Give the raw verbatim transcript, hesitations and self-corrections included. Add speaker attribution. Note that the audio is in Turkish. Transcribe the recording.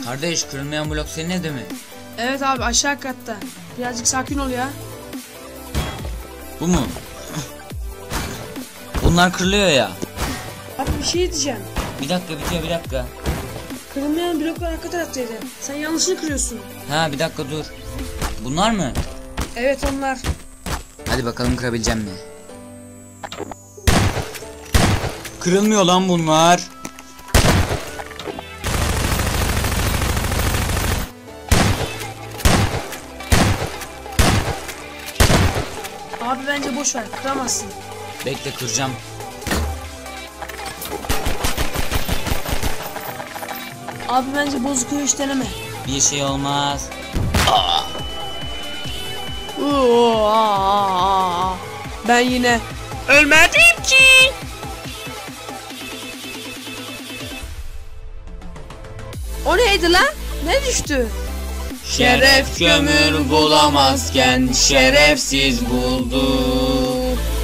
Speaker 1: Kardeş, kırılmayan blok senin evde mi?
Speaker 2: Evet abi, aşağı katta. Birazcık sakin ol ya.
Speaker 1: Bu mu? Bunlar kırılıyor ya.
Speaker 2: Abi bir şey diyeceğim.
Speaker 1: Bir dakika bitiyor, bir dakika.
Speaker 2: Kırılmayan bloklar arka taraftaydı. Sen yanlışını kırıyorsun.
Speaker 1: Ha, bir dakika dur. Bunlar mı?
Speaker 2: Evet, onlar.
Speaker 1: Hadi bakalım kırabileceğim mi? Kırılmıyor lan bunlar.
Speaker 2: Abi bence boş ver, kıramazsın.
Speaker 1: Bekle, kıracağım.
Speaker 2: Abi bence bozuk o iş deneme.
Speaker 1: Bir şey olmaz.
Speaker 2: Oo, aa, aa. Ben yine ölmedim ki. O neydi lan? Ne düştü?
Speaker 1: Şeref kömür bulamazken şerefsiz buldu.